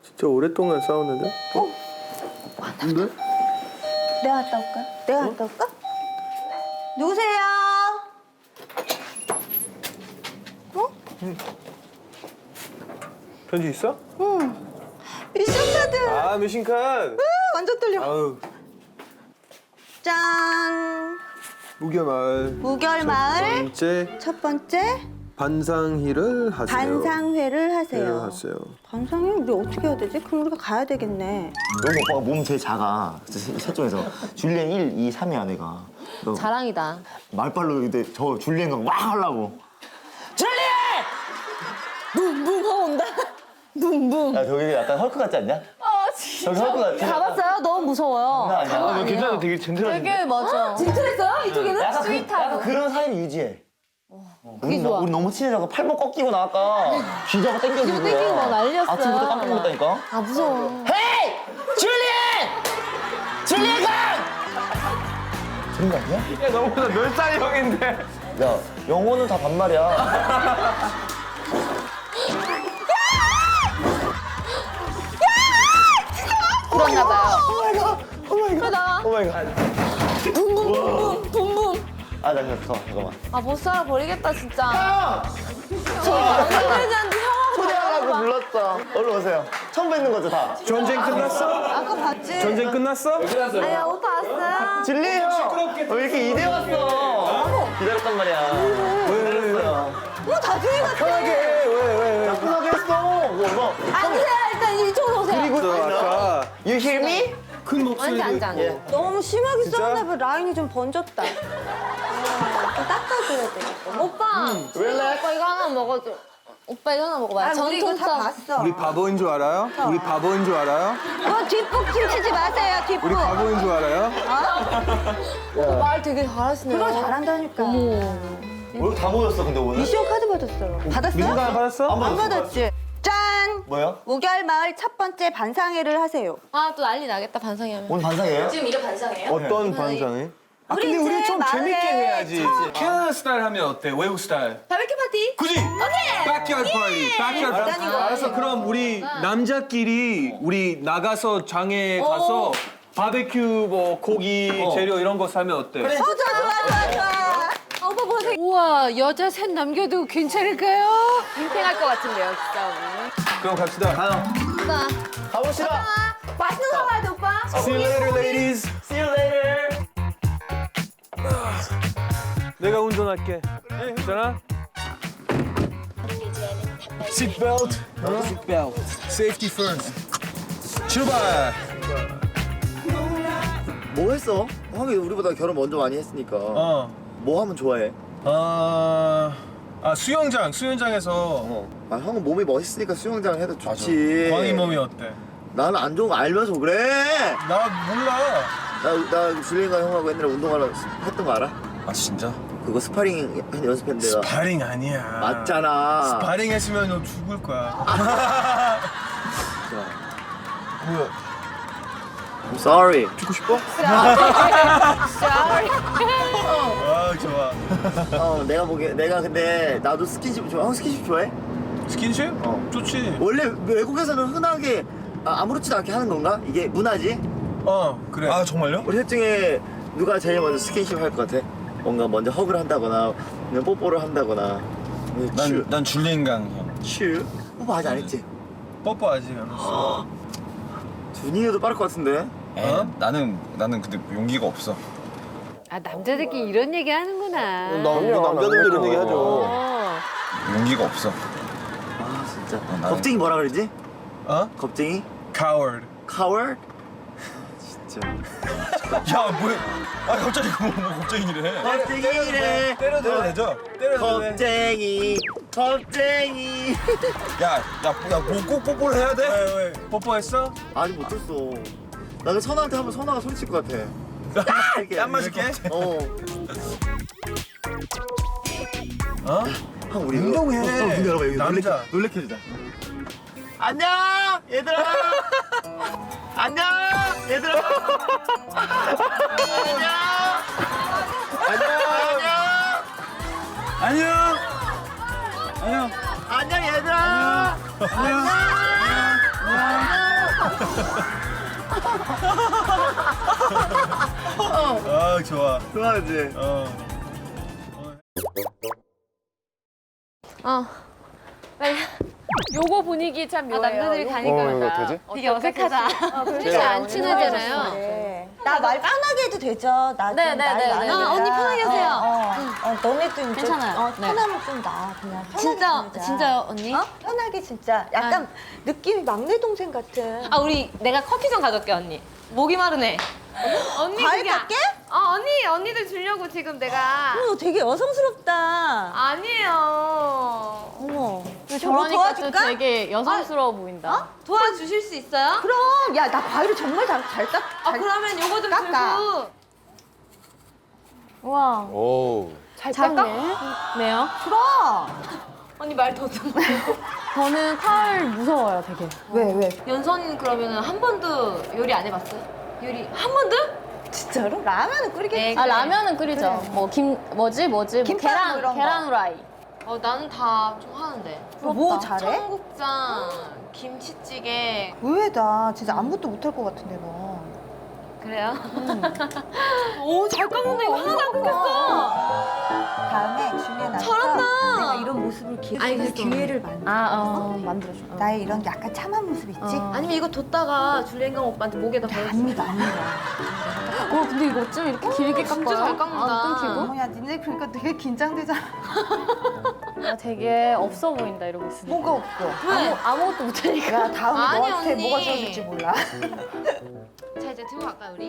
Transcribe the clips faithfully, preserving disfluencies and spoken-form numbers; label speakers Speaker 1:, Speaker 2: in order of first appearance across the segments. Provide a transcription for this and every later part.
Speaker 1: 진짜 오랫동안 싸웠는데?
Speaker 2: 어?
Speaker 1: 근데?
Speaker 2: 내가 갔다 올까? 내가 갔다 올까? 누구세요? 어?
Speaker 1: 편지 있어?
Speaker 2: 응. 미션 카드.
Speaker 1: 아, 미신칸.
Speaker 2: 완전 떨려.
Speaker 1: 아우,
Speaker 2: 짠.
Speaker 1: 무결마을.
Speaker 2: 무결마을
Speaker 1: 번째
Speaker 2: 첫 번째
Speaker 1: 반상회를 하세요.
Speaker 2: 반상회를
Speaker 1: 회를
Speaker 2: 하세요.
Speaker 1: 하세요.
Speaker 2: 반상회 우리 어떻게 해야 되지? 그럼 우리가 가야 되겠네.
Speaker 3: 너무 오빠가 몸 제일 작아. 세- 셋 중에서. 줄리엔 일, 이, 삼이야 내가. 너
Speaker 4: 자랑이다.
Speaker 3: 말빨로 근데 저 줄리엔과 막 하려고. 줄리엔!
Speaker 4: 붕붕 하고 온다. 붕붕.
Speaker 3: 야 저기 약간 헐크 같지 않냐?
Speaker 4: 아 진짜.
Speaker 3: 저기 헐크 같지?
Speaker 4: 가봤어요? 너무 무서워요.
Speaker 3: 장난 아니야.
Speaker 4: 장난
Speaker 3: 아,
Speaker 4: 아니에요.
Speaker 1: 괜찮아, 되게 젠틀한데.
Speaker 4: 되게 맞아. 젠틀했어요? 이쪽에는?
Speaker 3: 약간, 그, 약간
Speaker 4: 스윗하고.
Speaker 3: 그런 사이를 유지해. 우리,
Speaker 4: 좋아.
Speaker 3: 우리 너무 친해져서 팔목 꺾이고 나갈까 쥐자고 땡겨주고.
Speaker 4: 땡기고 막 난리였어요.
Speaker 3: 아침부터 깜짝 놀랐다니까.
Speaker 4: 아 무서워.
Speaker 3: 헤이! 줄리엔! 줄리엔 강! 그런 거 아니야?
Speaker 1: 야, 너보다 몇 살 형인데.
Speaker 3: 야, 영어는 다 반말이야.
Speaker 4: 그랬나 봐요.
Speaker 3: 오마이갓! 오마이갓!
Speaker 4: 나.
Speaker 3: 오마이갓!
Speaker 4: 붕붕붕붕 붕붕.
Speaker 3: 아, 나 잠깐만, 잠깐만.
Speaker 4: 아 못 살아 버리겠다 진짜.
Speaker 3: 형!
Speaker 4: 저 언니들한테 형하고
Speaker 3: 초대하라고 불렀어. 얼른 오세요. 처음 뵙는 거죠, 다?
Speaker 1: 전쟁 끝났어?
Speaker 2: 아까 봤지?
Speaker 1: 전쟁 끝났어?
Speaker 4: 아야 오빠 왔어요.
Speaker 3: 진리 형! 왜 이렇게 이대 왔어? 기다렸단 말이야. 기다렸어요.
Speaker 2: 뭐 다둥이 같아.
Speaker 1: 편하게 해. 왜, 왜, 왜.
Speaker 3: 편하게 했어. 뭐, 뭐.
Speaker 4: 앉으세요 일단 이쪽으로 오세요.
Speaker 3: 그리고
Speaker 1: 너 아까
Speaker 3: You hear me?
Speaker 1: 큰 목소리로.
Speaker 4: 앉아 앉아 앉아.
Speaker 2: 너무 심하게
Speaker 1: 진짜?
Speaker 2: 싸웠나 봐. 라인이 좀 번졌다. 어, 좀 닦아줘야 되겠다.
Speaker 4: 오빠.
Speaker 3: 왜?
Speaker 4: 오빠 이거 하나 먹어줘. 오빠 이거 하나 먹어봐요.
Speaker 2: 아, 우리 이거 다
Speaker 4: 전통성.
Speaker 2: 봤어.
Speaker 1: 우리 바보인 줄 알아요? 우리 바보인 줄 알아요?
Speaker 2: 뭐 뒷북 춤추지 마세요, 뒷북.
Speaker 1: 우리 바보인 줄 알아요?
Speaker 4: 오빠 말 되게 잘하시네요.
Speaker 2: 그걸 잘한다니까.
Speaker 3: 오늘 다 모였어, 근데 오늘.
Speaker 2: 미션 카드 받았어요. 받았어요?
Speaker 1: 미신칸 받았어?
Speaker 3: 안
Speaker 2: 안
Speaker 3: 받았어.
Speaker 2: 받았지? 짠!
Speaker 3: 뭐야?
Speaker 2: 무결마을 첫 번째 반상회를 하세요.
Speaker 4: 아 또 난리 나겠다 반상이 하면.
Speaker 3: 오늘 반상이에요?
Speaker 4: 지금 이거 반상이에요?
Speaker 1: 어떤 반상회? 아,
Speaker 2: 우리
Speaker 1: 근데 우리
Speaker 2: 이제
Speaker 1: 좀
Speaker 2: 마을에
Speaker 1: 재밌게 해야지.
Speaker 2: 참-
Speaker 1: 캐나다 스타일 하면 어때? 외국 스타일.
Speaker 4: 바베큐 파티.
Speaker 1: 그지?
Speaker 4: 오케이.
Speaker 1: 백야드 파티. 백야드 파티.
Speaker 2: 일단이고.
Speaker 1: 알았어. 그럼 우리 남자끼리 우리 나가서 장에 가서 바베큐 뭐 고기 재료 이런 거 사면 어때?
Speaker 2: 어, 좋아, 좋아, 좋아, 좋아.
Speaker 4: 아, 오빠 뭐 되게
Speaker 5: 우와, 여자 셋 남겨도 괜찮을까요?
Speaker 4: 팽팽할 것 같은데요 진짜 오늘.
Speaker 1: 그럼 갑시다.
Speaker 3: 가요.
Speaker 4: 오빠.
Speaker 3: 가봅시다.
Speaker 4: 맛있는 거 사와야 돼 오빠.
Speaker 1: See you later, ladies.
Speaker 3: See you later.
Speaker 1: 내가 운전할게. 괜찮아? Seat belt. Seat belt. Safety first. 출발.
Speaker 3: 뭐 했어? 형이 우리보다 결혼 먼저 많이 했으니까.
Speaker 1: 어.
Speaker 3: 뭐 하면 좋아해?
Speaker 1: 아, 아 수영장, 수영장에서
Speaker 3: 어. 아, 형은 몸이 멋있으니까 수영장 해도 좋지.
Speaker 1: 광희 몸이 어때?
Speaker 3: 나는 안 좋은 거 알면서 그래.
Speaker 1: 나 몰라.
Speaker 3: 나, 나 줄리엔과 형하고 옛날에 운동하러 했던 거 알아?
Speaker 1: 아 진짜?
Speaker 3: 그거 스파링 연습했는데.
Speaker 1: 스파링 아니야.
Speaker 3: 맞잖아.
Speaker 1: 스파링 했으면 너 죽을 거야. 뭐야?
Speaker 3: I'm sorry.
Speaker 1: 죽고 싶어?
Speaker 4: Sorry.
Speaker 1: 아 좋아.
Speaker 3: 어, 내가 보기에 내가 근데 나도 스킨십 좋아. 형 스킨십 좋아해?
Speaker 1: 스킨십?
Speaker 3: 어.
Speaker 1: 좋지.
Speaker 3: 원래 외국에서는 흔하게 아, 아무렇지도 않게 하는 건가? 이게 문화지?
Speaker 1: 어 그래. 아 정말요?
Speaker 3: 우리 셋 중에 누가 제일 먼저 스킨십 할 것 같아? 뭔가 먼저 허그를 한다거나 아니면 뽀뽀를 한다거나. 츄.
Speaker 1: 난 줄리엔강 형.
Speaker 3: 츄? 뽀뽀 아직 안 했지?
Speaker 1: 뽀뽀 아직 안 했어.
Speaker 3: 준이도 빠를 것 같은데?
Speaker 1: 어?
Speaker 6: 나는 나는 근데 용기가 없어.
Speaker 5: 아, 남자들끼리 이런 얘기 하는구나.
Speaker 1: 남자들도 이런 얘기 하죠.
Speaker 5: 어.
Speaker 6: 용기가 없어.
Speaker 3: 아 진짜.
Speaker 6: 나는-
Speaker 3: 겁쟁이 뭐라 그러지?
Speaker 1: 어?
Speaker 3: 겁쟁이?
Speaker 1: Coward.
Speaker 3: 카월? 진짜.
Speaker 6: 야 뭐야? 아 갑자기 뭐, 뭐 걱정이래.
Speaker 3: 겁쟁이래.
Speaker 1: 때려도 되죠? 때려도 돼.
Speaker 3: 겁쟁이. 겁쟁이.
Speaker 6: 야야야뭐꼭 뽀뽀를 해야 돼?
Speaker 1: 왜 왜? 뽀뽀했어?
Speaker 3: 아직 못했어. 나는 선아한테 하면 선아가 소리칠 것 같아. 이렇게.
Speaker 6: 땀 맞을게?
Speaker 3: 어.
Speaker 1: 어?
Speaker 3: 형 우리
Speaker 1: 운동해.
Speaker 3: 어, 어, 문 열어봐. 여기
Speaker 1: 남자.
Speaker 3: 놀래켜, 놀래켜 주자. 안녕 얘들아. 안녕 얘들아. 안녕. 안녕.
Speaker 1: 안녕. 안녕.
Speaker 3: 안녕 얘들아. 안녕. 안녕.
Speaker 6: 아 좋아.
Speaker 3: 좋아하지?
Speaker 6: 어.
Speaker 4: 어. 빨리. 요거 분위기 참 묘해요.
Speaker 5: 남자들이 가니까
Speaker 7: 어, 이거 되지?
Speaker 4: 되게 어색하다.
Speaker 5: 진짜 안 친하잖아요.
Speaker 2: 네. 나 말 편하게 해도 되죠? 나 좀
Speaker 4: 네, 네,
Speaker 2: 나이
Speaker 4: 네, 네.
Speaker 2: 많으니까.
Speaker 4: 어, 언니 편하게 하세요.
Speaker 2: 어, 어. 어, 너네도 이제
Speaker 4: 괜찮아요.
Speaker 2: 어,
Speaker 4: 네.
Speaker 2: 편하면 좀 나. 그냥 편하게
Speaker 4: 진짜
Speaker 2: 지내자.
Speaker 4: 진짜요, 언니?
Speaker 2: 어? 편하게 진짜. 약간 느낌이 막내 동생 같은.
Speaker 4: 아, 우리 내가 커피 좀 가져올게, 언니. 목이 마르네. 언니
Speaker 2: 과일
Speaker 4: 그게 아-
Speaker 2: 깎게?
Speaker 4: 어, 언니, 언니들 주려고 지금 내가
Speaker 2: 어머, 너 되게 여성스럽다.
Speaker 4: 아니에요.
Speaker 2: 어머. 저거
Speaker 8: 저러니까 또
Speaker 2: 도와줄까?
Speaker 8: 되게 여성스러워 보인다.
Speaker 4: 도와주실 수 있어요?
Speaker 2: 그럼. 야, 나 과일을 정말 잘, 잘 깎.
Speaker 4: 아,
Speaker 2: 잘
Speaker 4: 그러면 요거 좀
Speaker 2: 깎아.
Speaker 4: 들고.
Speaker 8: 와,
Speaker 7: 오.
Speaker 8: 잘 깎네. 네요.
Speaker 2: 그럼.
Speaker 4: 언니 말 더 좀.
Speaker 8: 저는 칼 무서워요, 되게.
Speaker 2: 왜, 왜?
Speaker 4: 연선 그러면은 한 번도 요리 안 해봤어요? 요리 한 번도?
Speaker 2: 진짜로? 라면은 끓이겠지.
Speaker 4: 네,
Speaker 8: 아
Speaker 4: 그래.
Speaker 8: 라면은 끓이죠. 뭐 김 뭐지 뭐지 뭐
Speaker 2: 김밥
Speaker 8: 계란
Speaker 2: 뭐 이런 거.
Speaker 8: 계란 후라이.
Speaker 4: 어, 나는 다 좀 하는데.
Speaker 2: 뭐 잘해?
Speaker 4: 청국장, 김치찌개.
Speaker 2: 의외다. 진짜 아무것도 못할 것 같은데, 너.
Speaker 4: 그래요? 오, 잘 깎는다. 이거 하나도 안 끊겼어.
Speaker 2: 다음에 중에 나서
Speaker 4: 잘한다.
Speaker 2: 내가 이런 모습을 기...
Speaker 4: 아니,
Speaker 2: 그
Speaker 4: 됐어.
Speaker 2: 기회를 만들어.
Speaker 8: 아, 어, 만들어줘. 어.
Speaker 2: 나의 이런 약간 참한 모습 있지?
Speaker 4: 아니면 이거 뒀다가 줄리엔강 오빠한테 목에다 걸었어.
Speaker 2: 아닙니다, 아닙니다.
Speaker 8: 어, 근데 이거 어쩜 이렇게 길게 깎아요?
Speaker 4: 진짜 잘 깎는다.
Speaker 8: 안 끊기고?
Speaker 2: 어머야, 니네 그러니까 되게 긴장되잖아.
Speaker 8: 아, 되게 없어 보인다 이러고 있으니까.
Speaker 2: 뭐가 없어?
Speaker 4: 왜?
Speaker 8: 아무것도 못하니까.
Speaker 2: 야, 다음에
Speaker 4: 아니,
Speaker 2: 너한테
Speaker 4: 언니.
Speaker 2: 뭐가 좋아질지 몰라.
Speaker 4: 자, 이제 들고 갈까요, 우리?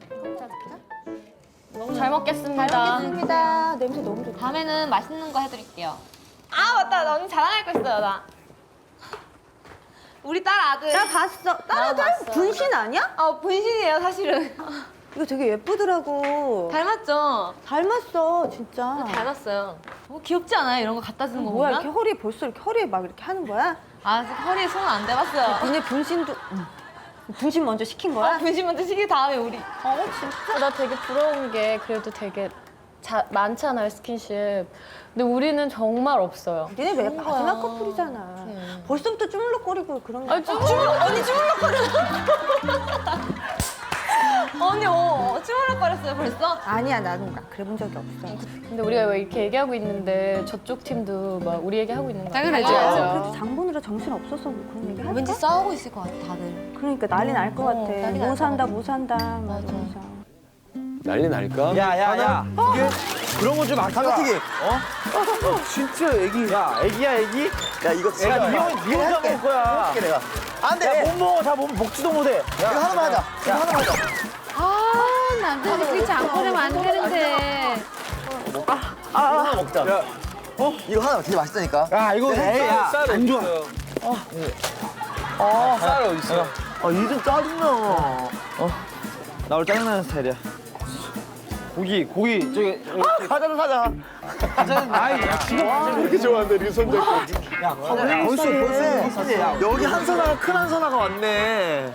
Speaker 8: 너무 잘 먹겠습니다.
Speaker 2: 먹겠습니다. 냄새 너무 좋다.
Speaker 4: 다음에는 맛있는 거 해드릴게요. 아, 맞다. 나 언니 자랑할 거 있어요, 나. 우리 딸 아들.
Speaker 2: 나 봤어. 다른 딸 분신 아니야?
Speaker 4: 어, 분신이에요, 사실은.
Speaker 2: 이거 되게 예쁘더라고.
Speaker 4: 닮았죠?
Speaker 2: 닮았어, 진짜.
Speaker 4: 닮았어요. 뭐 귀엽지 않아요? 이런 거 갖다 주는 거
Speaker 2: 뭐야,
Speaker 4: 보면?
Speaker 2: 이렇게 허리에 벌써 이렇게 허리에 막 이렇게 하는 거야?
Speaker 4: 아, 아직 허리에 손 안 대봤어요.
Speaker 2: 니네 분신도 응. 분신 먼저 시킨 거야?
Speaker 4: 아, 분신 먼저 시기 다음에 우리.
Speaker 2: 어, 진짜.
Speaker 8: 나 되게 부러운 게 그래도 되게 자, 많잖아요 스킨십. 근데 우리는 정말 없어요.
Speaker 2: 니네 왜 마지막 커플이잖아. 벌써부터 쭈물럭거리고 그런 거.
Speaker 8: 아, 쭈물럭
Speaker 4: 언니 쭈물럭거려. 언니, 어, 쭈물럭거렸어요, 벌써?
Speaker 2: 아니야, 나는 나 그래 본 적이 없어.
Speaker 8: 근데 우리가 왜 이렇게 얘기하고 있는데 저쪽 팀도 막 우리 얘기하고 있는 거
Speaker 5: 당연하죠.
Speaker 2: 아, 그래도 장 보느라 정신 없어서 뭐 그런 얘기 할까?
Speaker 4: 왠지 싸우고 있을 것 같아, 다들.
Speaker 2: 그러니까 난리 날 것 같아.
Speaker 4: 난리 날것
Speaker 2: 뭐 산다,
Speaker 4: 같아.
Speaker 2: 뭐 산다. 막 이러면서.
Speaker 7: 난리 날까?
Speaker 6: 야야야. 이게 그런 거 좀 아껴.
Speaker 3: 감자튀김.
Speaker 6: 어? 진짜 애기. 야 애기야 애기?
Speaker 3: 야, 이거 진짜.
Speaker 6: 애가 니 혼- 니 혼자 먹을 거야.
Speaker 3: 해줄게, 내가.
Speaker 6: 안 돼. 못 먹어. 다 못, 먹지도 못해.
Speaker 3: 이거 하나만 하자. 이거 하나만 하자.
Speaker 5: 아, 남자들끼리 장보내면 안 되는데.
Speaker 3: 하나 먹자.
Speaker 6: 야,
Speaker 3: 이거 하나 되게 맛있다니까.
Speaker 6: 야 이거
Speaker 3: 네.
Speaker 6: 에이, 야,
Speaker 1: 쌀
Speaker 6: 안 좋아.
Speaker 1: 어, 쌀 어디 있어?
Speaker 3: 아, 이좀 짜증나. 어.
Speaker 6: 나 원래 짜증나는 스타일이야. 고기 고기 저기
Speaker 3: 사자도 사자.
Speaker 6: 짜증 나이. 야 지금
Speaker 7: 그렇게 좋아한다, 이렇게 손잡고.
Speaker 6: 야 벌써 벌써 야
Speaker 3: 여기 한 선아가 큰 한 선아가 왔네.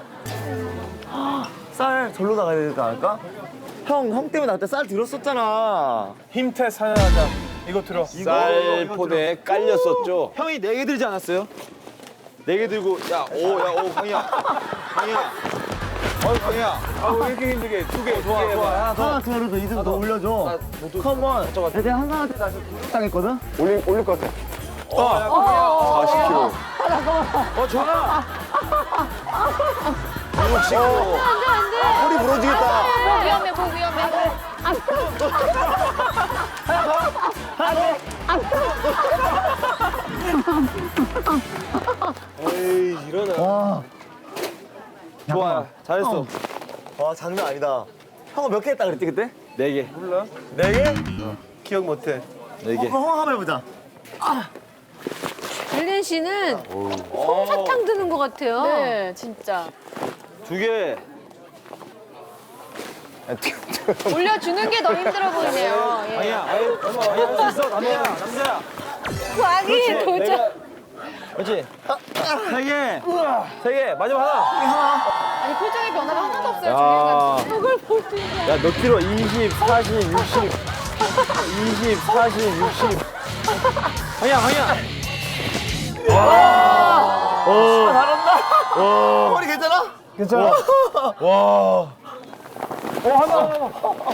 Speaker 3: 쌀 절로 나가야 되지 않을까? 형, 형 때문에 나 그때 쌀 들었었잖아.
Speaker 1: 힘태 사연하자. 이거 들어.
Speaker 7: 쌀포대에 깔렸었죠.
Speaker 6: 형이 네 개 들지 않았어요? 네 개 들고 야오야오 강이야 강이야 어이 강이야
Speaker 1: 아, 왜 이렇게 힘들게? 두 개,
Speaker 6: 좋아
Speaker 1: 두 개.
Speaker 6: 좋아 하나 더
Speaker 3: 하나 더 올려줘. 이등 더 올려줘. 컴온. 내가 한 선한테 나 지금 당했거든?
Speaker 7: 올릴, 올릴 것 같아. 사십 킬로그램.
Speaker 6: 어 전화
Speaker 3: 이거 허리 부러지겠다.
Speaker 8: 목 위험해 목 위험해.
Speaker 1: 에이, 일어나.
Speaker 3: 와,
Speaker 6: 좋아 잘했어
Speaker 3: 와 장난 아니다. 형은 몇 개 했다 그랬지 그때?
Speaker 6: 네 개
Speaker 1: 몰라?
Speaker 3: 네 개?
Speaker 6: 기억 못해
Speaker 3: 네 개. 어, 형 한번 해보자.
Speaker 5: 릴린 씨는 솜사탕 드는 것 같아요.
Speaker 8: 네 진짜.
Speaker 6: 두개
Speaker 8: 올려주는 게 더 힘들어 보이네요. 예.
Speaker 6: 강이야 강이야 할 수 있어 남자야 남자야
Speaker 5: 광희 도전.
Speaker 6: 그렇지 세개세개 마지막 하나
Speaker 8: 아니 표정의 변화가 하나도 없어요.
Speaker 7: 야.
Speaker 8: 주인공. 저걸 보지.
Speaker 6: 야 몇 킬로 이십 사십 육십 이십 사십 육십 강이야 강이야 와 오. 잘한다
Speaker 3: 머리 괜찮아?
Speaker 1: 괜찮아? 와. 어, 하나, 하나.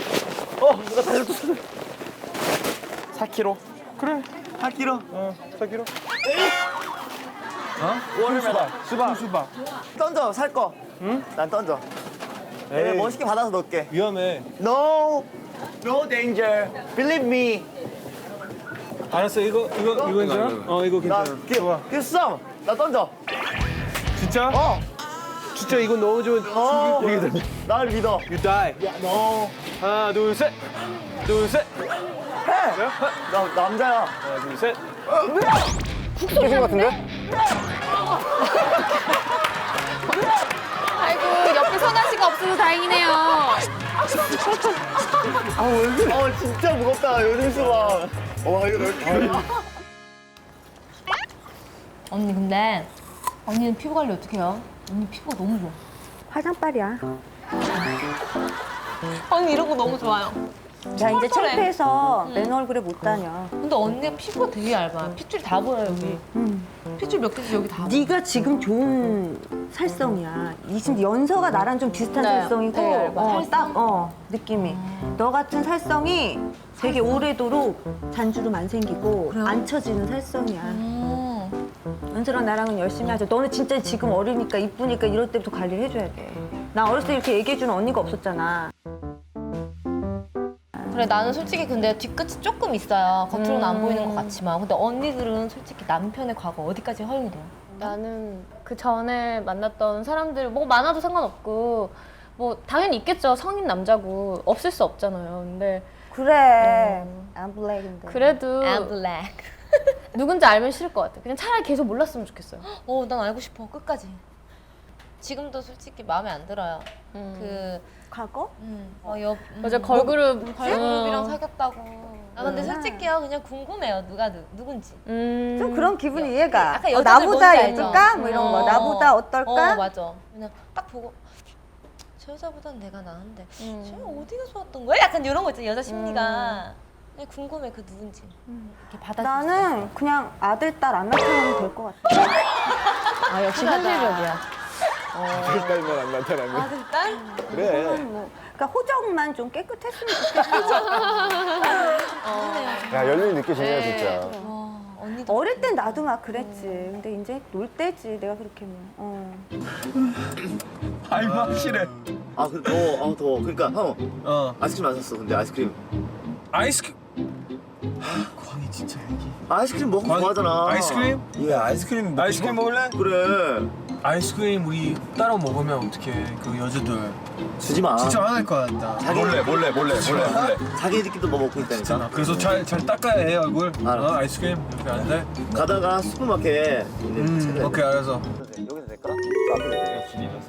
Speaker 6: 사 킬로그램.
Speaker 1: 그래.
Speaker 3: 사 킬로그램.
Speaker 1: 어, 사 킬로그램.
Speaker 3: 수박.
Speaker 1: 수박. 수박.
Speaker 3: 던져, 살 거. 응? 난 던져. 내가
Speaker 1: 에이.
Speaker 3: 멋있게 받아서 넣을게.
Speaker 1: 위험해.
Speaker 3: No, no danger. Believe me.
Speaker 1: 알았어, 이거, 이거, 이거 괜찮아? 어, 이거
Speaker 3: 나
Speaker 1: 괜찮아.
Speaker 3: give, give some. 나 던져.
Speaker 1: 진짜?
Speaker 3: 어.
Speaker 1: 진짜 이거 너무 좋은.
Speaker 3: 어. 나를 믿어.
Speaker 1: You die.
Speaker 3: No.
Speaker 1: 하나, 둘, 셋. 둘, 셋.
Speaker 3: 해. 나 남자야.
Speaker 1: 하나, 둘, 셋.
Speaker 7: 깨진 것 같은데?
Speaker 5: 아이고 옆에 선아 씨가 없어서 다행이네요.
Speaker 3: 어 진짜 무겁다. 요즘 수박. 와 이거 넓게.
Speaker 8: 언니 근데 언니는 피부 관리 어떻게 해요? 언니 피부가 너무 좋아.
Speaker 2: 화장빨이야.
Speaker 4: 언니 이런 거 너무 좋아요.
Speaker 2: 나 이제
Speaker 4: 털털해.
Speaker 2: 창피해서 맨 얼굴에 못 다녀.
Speaker 8: 근데 언니가 피부가 되게 얇아. 핏줄 다 보여 여기. 핏줄 몇 개씩 여기 다 보여.
Speaker 2: 네가 지금 좋은 살성이야. 이 지금 연서가 나랑 좀 비슷한
Speaker 8: 네,
Speaker 2: 살성이고,
Speaker 8: 되게 얇아.
Speaker 2: 어,
Speaker 8: 살성?
Speaker 2: 딱 어, 느낌이. 너 같은 살성이 되게 오래도록 잔주름 안 생기고 안 처지는 살성이야.
Speaker 8: 음.
Speaker 2: 연서랑 나랑은 열심히 하자. 너는 진짜 지금 어리니까 이쁘니까 이럴 때부터 관리를 해줘야 돼. 나 어렸을 때 이렇게 얘기해주는 언니가 없었잖아.
Speaker 8: 그래 나는 솔직히 근데 뒤끝이 조금 있어요. 겉으로는 안 보이는 것 같지만 근데 언니들은 솔직히 남편의 과거 어디까지 허용이 돼요? 나는 그 전에 만났던 사람들 뭐 많아도 상관없고 뭐 당연히 있겠죠. 성인 남자고 없을 수 없잖아요. 근데
Speaker 2: 그래. 안 블랙인데.
Speaker 8: 그래도
Speaker 4: I'm black.
Speaker 8: 누군지 알면 싫을 것 같아. 그냥 차라리 계속 몰랐으면 좋겠어요.
Speaker 4: 어, 난 알고 싶어. 끝까지. 지금도 솔직히 마음에 안 들어요.
Speaker 8: 음.
Speaker 4: 그,
Speaker 2: 과거?
Speaker 4: 음, 어, 옆, 음,
Speaker 8: 어제 걸그룹
Speaker 4: 걸그룹이랑
Speaker 8: 음.
Speaker 4: 사귀었다고. 아, 근데
Speaker 2: 음.
Speaker 4: 솔직히요, 그냥 궁금해요. 누가 누, 누군지.
Speaker 8: 음.
Speaker 2: 좀 그런 기분이 이해가.
Speaker 4: 약간
Speaker 2: 어,
Speaker 4: 여자들
Speaker 2: 나보다
Speaker 4: 뭔지 알죠?
Speaker 2: 예쁠까? 뭐 이런 거.
Speaker 4: 어.
Speaker 2: 나보다 어떨까?
Speaker 4: 어, 맞아. 그냥 딱 보고, 저 여자보단 내가 나은데,
Speaker 8: 음.
Speaker 4: 저 어디가 좋았던 거야? 약간 이런 거 있잖아, 여자 심리가. 그냥 궁금해, 그 누군지. 이렇게 받아줄 수 있어.
Speaker 2: 나는 그냥 아들, 딸 안 나타나면 될 것 같아.
Speaker 8: 아 역시 현실적이야.
Speaker 7: 딸만 안 나타나면.
Speaker 4: 아들, 딸?
Speaker 7: 그래.
Speaker 2: 뭐, 그러니까 호적만 좀 깨끗했으면 좋겠어.
Speaker 7: 야, 연륜이 느껴지네요, 진짜.
Speaker 4: 어, 언니도.
Speaker 2: 어릴 땐 나도 막 그랬지. 근데 이제 놀 때지, 내가 그렇게 뭐. 어.
Speaker 1: 아이고, 확실해.
Speaker 3: 아 그, 더워. 아 더워. 그러니까 형
Speaker 1: 어.
Speaker 3: 아이스크림 안 샀어. 근데 아이스크림.
Speaker 1: 아이스크림. 하, 광희 진짜 얘기.
Speaker 3: 아이스크림 먹고
Speaker 1: 광희-
Speaker 3: 좋아하잖아.
Speaker 1: 아이스크림?
Speaker 3: 예 아이스크림. 먹고
Speaker 1: 아이스크림
Speaker 3: 싶어?
Speaker 1: 먹을래?
Speaker 3: 그래.
Speaker 1: 아이스크림 우리 따로 먹으면 어떡해. 그 여자들.
Speaker 3: 주지 마.
Speaker 1: 진짜 화날 것 같다.
Speaker 3: 자기
Speaker 1: 몰래, 몰래, 몰래, 몰래, 몰래.
Speaker 3: 자기들끼리도 뭐 먹고 있다니까.
Speaker 1: 그래서 잘, 잘 닦아야 해, 얼굴.
Speaker 3: 알아.
Speaker 1: 어, 아이스크림 이렇게 안 돼?
Speaker 3: 가다가 슈퍼마켓 있는
Speaker 1: 음,
Speaker 3: 찾아야 돼.
Speaker 1: 오케이, 알았어.
Speaker 3: 여기서 될까? 저 앞에 돼.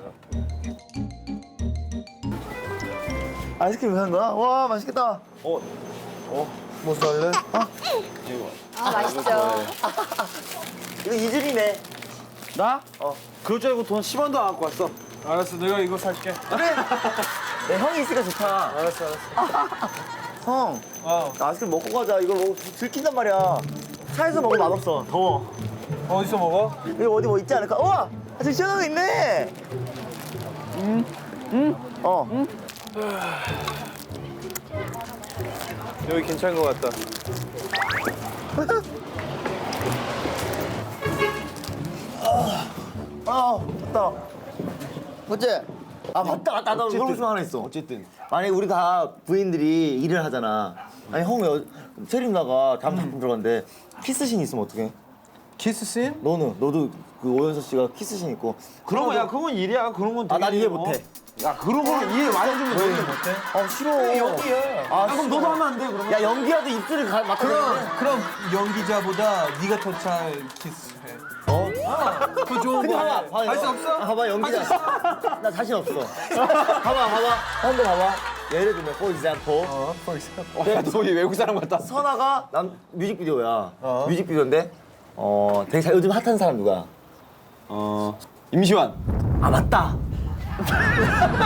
Speaker 3: 아이스크림 사는 거야? 와 맛있겠다. 어, 어, 뭐 살래? 아,
Speaker 5: 아 맛있죠.
Speaker 3: 이거 이준이네.
Speaker 6: 나? 어. 그럴 줄 알고 돈 십 원도 안 갖고 왔어.
Speaker 1: 알았어, 내가 이거 살게.
Speaker 3: 내 형이 있으니까 좋다.
Speaker 1: 알았어, 알았어.
Speaker 3: 형,
Speaker 1: 어,
Speaker 3: 나 아이스크림 먹고 가자. 이거 먹고 들킨단 말이야. 차에서 먹으면 맛없어. 더워.
Speaker 1: 어디서 먹어?
Speaker 3: 여기 어디 뭐 있지 않을까? 우와! 아, 저기 시원한 거 있네. 음, 음, 어. 음.
Speaker 1: 여기 괜찮은 것 같다.
Speaker 3: 아, 맞다. 어째? 아, 맞다, 맞다. 나 그런 거 하나 있어.
Speaker 6: 어쨌든.
Speaker 3: 만약에 우리 다 부인들이 일을 하잖아. 아니, 형, 여, 체리 누나가 다음 작품 들어갔는데 키스신 있으면 어떡해?
Speaker 1: 키스씬?
Speaker 3: 너는? 너도 그 오연서 씨가 키스신 있고.
Speaker 6: 그런 거, 야, 그건 일이야. 그런 건
Speaker 3: 아, 난
Speaker 6: 되게,
Speaker 3: 이해
Speaker 6: 어?
Speaker 3: 못해.
Speaker 6: 야, 그런 거는 이해 많이 해주면 돼.
Speaker 1: 못해?
Speaker 3: 아, 싫어.
Speaker 6: 연기야.
Speaker 3: 아,
Speaker 6: 그럼 너도 하면 안 돼, 그러면?
Speaker 3: 야, 연기라도 입술을 가, 맡아.
Speaker 1: 그럼, 그럼 연기자보다 네가 더 잘 키스해.
Speaker 3: 어?
Speaker 1: 더 좋은
Speaker 3: 근데
Speaker 1: 거
Speaker 3: 봐봐,
Speaker 1: 해.
Speaker 3: 봐봐.
Speaker 1: 할 수 없어?
Speaker 3: 아, 봐봐, 연기자. 나 자신 없어. 봐봐, 봐봐. 형도 봐봐. 예를 들면, for example.
Speaker 1: 어, for example.
Speaker 6: 어, 야, 너 외국 사람 같다.
Speaker 3: 선아가 남 뮤직비디오야.
Speaker 1: 어.
Speaker 3: 뮤직비디오인데, 어, 되게 잘, 요즘 핫한 사람 누가?
Speaker 6: 어, 임시완.
Speaker 3: 아, 맞다.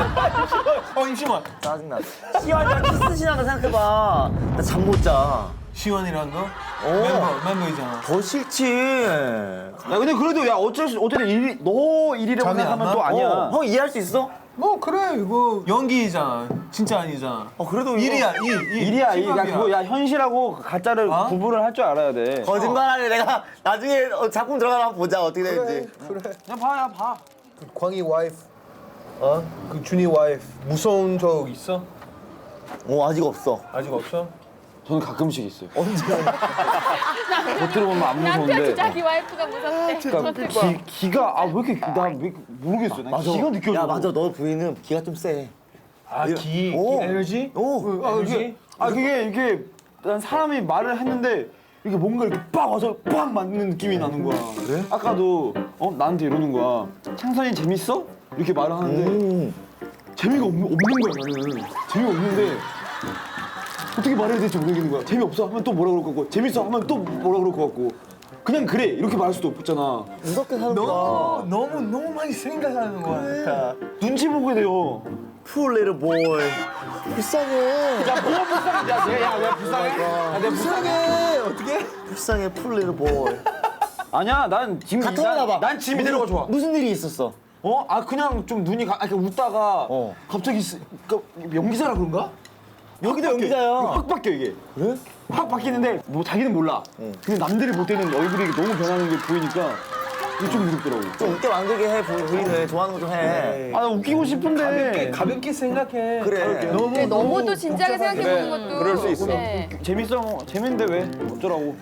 Speaker 1: 어, 임시완.
Speaker 3: 짜증나. 시완이랑 키스신하다 생각해봐. 나 잠 못 자.
Speaker 1: 시원이란 너?
Speaker 3: 오.
Speaker 1: 멤버 멤버이잖아.
Speaker 3: 더 싫지.
Speaker 6: 야 근데 그래도 야 어쩔 수 어쨌든 일, 너 일이라고
Speaker 1: 잠이 안
Speaker 6: 생각하면
Speaker 1: 나?
Speaker 6: 또 아니야.
Speaker 3: 어, 형 이해할 수 있어?
Speaker 1: 뭐 그래 이거 연기잖아. 진짜 아니잖아.
Speaker 3: 어 그래도 이거-
Speaker 1: 일이야 일. 일.
Speaker 6: 일이야 일. 야
Speaker 1: 힙합이야.
Speaker 6: 그거 야 현실하고 가짜를
Speaker 1: 어?
Speaker 6: 구분을 할 줄 알아야 돼.
Speaker 3: 거짓말하네. 내가 나중에 어, 작품 들어가면 한번 보자 어떻게 되는지.
Speaker 6: 야 봐야 봐.
Speaker 1: 그 광희 와이프. 어? 그 준이 와이프 무서운 적 있어?
Speaker 3: 어 아직 없어.
Speaker 1: 아직 없어?
Speaker 6: 저는 가끔씩 있어요. 언제? 겉으로 보면 안 무서운데.
Speaker 5: 자기 와이프가 무섭대.
Speaker 6: 그러니까 기, 기가 아 왜 이렇게 나왜 모르겠어. 나 기가 느껴져.
Speaker 3: 야 맞아 너 부인은 기가 좀 세.
Speaker 1: 아, 기,
Speaker 3: 오.
Speaker 1: 기 에너지?
Speaker 3: 오.
Speaker 6: 아
Speaker 1: 에너지?
Speaker 6: 이게 아 그게 이게 난 사람이 말을 했는데 이게 뭔가 이렇게 빡 와서 빡 맞는 느낌이 나는 거야. 그래? 아까도 어 나한테 이러는 거야. 창선이 재밌어? 이렇게 말을 하는데
Speaker 3: 음.
Speaker 6: 재미가 없, 없는 거야 나는. 재미가 없는데 어떻게 말해야 될지 모르겠는 거야. 재미없어 하면 또 뭐라 그럴 것 같고 재밌어 하면 또 뭐라 그럴 것 같고 그냥 그래 이렇게 말할 수도 없잖아.
Speaker 3: 무섭게 사는
Speaker 1: 너무
Speaker 3: 거야.
Speaker 1: 너무 너무 많이 생각하는 거 같아.
Speaker 6: 눈치 보게 돼요.
Speaker 3: Poor little boy. 불쌍해.
Speaker 6: 야 뭐가 불쌍해? 야 내가 야 내가 불쌍해? 야 내가 불쌍해.
Speaker 1: 어떻게?
Speaker 3: 불쌍해 poor little boy.
Speaker 6: 아니야 난 지금
Speaker 3: 같아 봐.
Speaker 6: 난, 난 지금 이대로가 좋아.
Speaker 3: 무슨 일이 있었어?
Speaker 6: 어? 아 그냥 좀 눈이 가, 아, 이렇게 웃다가
Speaker 3: 어.
Speaker 6: 갑자기 쓰, 그, 연기자라 그런가?
Speaker 3: 여기도
Speaker 6: 확 바뀌어.
Speaker 3: 연기자야.
Speaker 6: 확 바뀌어 이게.
Speaker 3: 그래?
Speaker 6: 확 바뀌는데 뭐 자기는 몰라. 근데 남들이 볼 때는 얼굴이 너무 변하는 게 보이니까 이게 좀 무섭더라고.
Speaker 3: 좀 웃게 만들게 해 부- 부인을 좋아하는 거 좀 해.
Speaker 6: 아 나 웃기고 싶은데.
Speaker 1: 가볍게 가볍게 생각해.
Speaker 3: 그래.
Speaker 1: 너무
Speaker 5: 네, 너무 또 진지하게
Speaker 1: 복잡하게.
Speaker 5: 생각해 보는 것도.
Speaker 6: 그럴 수 있어.
Speaker 5: 네.
Speaker 6: 재밌어. 뭐. 재밌는데 왜? 어쩌라고.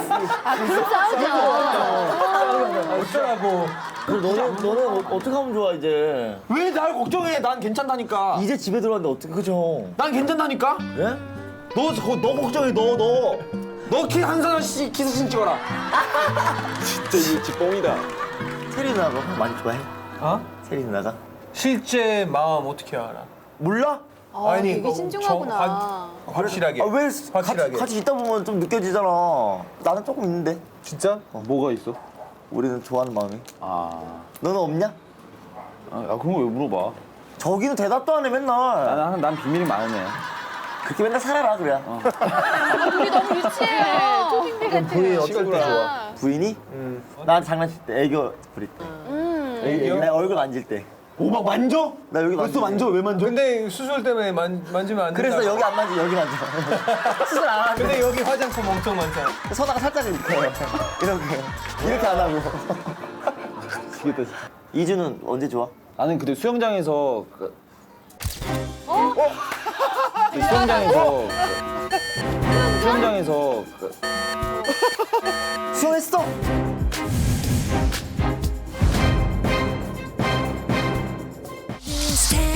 Speaker 1: 어쩌라고.
Speaker 3: 그럼 너는 너는 어, 어떻게 하면 좋아 이제?
Speaker 6: 왜 날 걱정해? 난 괜찮다니까.
Speaker 3: 이제 집에 들어왔는데 어떻게 그죠?
Speaker 6: 난 괜찮다니까.
Speaker 3: 그래?
Speaker 6: 너, 저- 너 걱정해. 너 너. 너 키 한산원 씨 키스신 찍어라.
Speaker 7: 진짜 이거 뻥이다.
Speaker 3: 세리 누나가 형 많이 좋아해?
Speaker 1: 어?
Speaker 3: 세리 누나가?
Speaker 1: 실제 마음 어떻게 알아?
Speaker 3: 몰라?
Speaker 5: 아, 되게
Speaker 1: 뭐
Speaker 5: 신중하구나.
Speaker 1: 정- 확, 실하게
Speaker 3: 아 왜
Speaker 1: 확실하게.
Speaker 3: 같이, 같이 있다 보면 좀 느껴지잖아. 나는 조금 있는데.
Speaker 1: 진짜?
Speaker 6: 어, 뭐가 있어?
Speaker 3: 우리는 좋아하는 마음이.
Speaker 6: 아,
Speaker 3: 너는 없냐?
Speaker 6: 아 야, 그런 거 왜 물어봐?
Speaker 3: 저기는 대답도 안 해 맨날.
Speaker 6: 난, 난 비밀이 많은 애야.
Speaker 3: 그렇게 맨날 살아라 그래.
Speaker 5: 우리 너무 유치해요. 초딩들 같아요.
Speaker 3: 부인이 어떻게
Speaker 1: 시간
Speaker 5: 진짜.
Speaker 3: 부인이?
Speaker 1: 음.
Speaker 3: 난 장난칠 때 애교 부릴 때.
Speaker 5: 음.
Speaker 1: 애교?
Speaker 3: 내 얼굴 만질 때.
Speaker 6: 오, 막 만져?
Speaker 3: 나 여기
Speaker 6: 벌써
Speaker 3: 만지지.
Speaker 6: 만져? 왜 만져?
Speaker 1: 근데 수술 때문에 만, 만지면 안 된다.
Speaker 3: 그래서 여기 안 만지 여기 만져. 수술 안 하는데
Speaker 1: 근데 여기 화장품 엄청 많잖아.
Speaker 3: 서다가 살짝 이렇게 이렇게 이렇게 안 하고.
Speaker 6: 미치겠다, 진짜.
Speaker 3: 이주는 언제 좋아?
Speaker 6: 나는 그때 수영장에서 그... 어? 그 수영장에서 그... 수영장에서 그...
Speaker 3: 수영했어?
Speaker 9: Stay